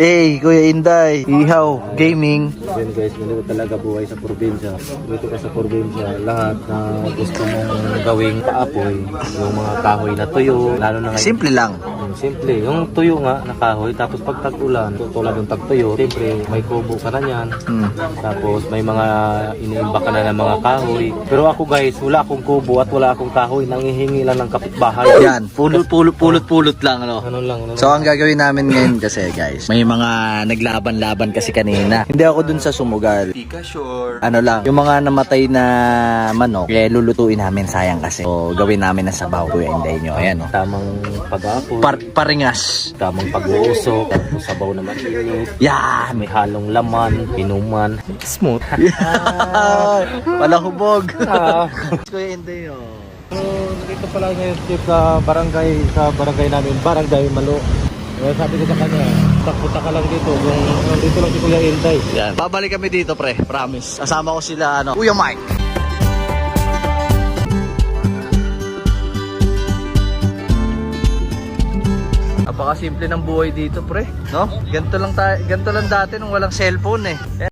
Kuya Inday, Ihaw, Gaming. Yan guys, ganito talaga buhay sa probinsya. Dito ka sa probinsya, lahat na gusto mong gawing paapoy, yung mga kahoy na tuyo, lalo na ngayon. Simple lang. Simple, yung tuyo nga na kahoy, tapos pag tag-ulan, tulad ng tag-tuyo, siyempre may kubo ka na yan. Tapos may mga iniimba ka na ng mga kahoy. Pero ako guys, wala akong kubo at wala akong kahoy, nangihingi lang ng kapitbahay. Yan, pulot lang, ano. Ano lang. So ang gagawin namin ngayon kasi guys, may mga naglaban-laban kasi kanina. Hindi ako dun sa sumugal. Ano lang, yung mga namatay na manok, lulutuin namin, sayang kasi. So gawin namin na sabaw, Kuya Inday nyo. Ayan, oh. Tamang pag-aapoy, Paringas. tamang pag-uusok, tapos sabaw na mainit. Yan. May halong laman, pinuman. Smooth. Palahubog. Ah. Kuya Inday, oh. So, dito pala ngayon Chip sa barangay namin, Barangay Malo. Sabi ko sa kanya, punta ka lang dito, kung dito lang si Kuya Inday. Yan. Babalik kami dito, pre. Promise. Kasama ko sila, Kuya Mike. Napakasimple ng buhay dito, pre. No? Ganito lang dati nung walang cellphone eh.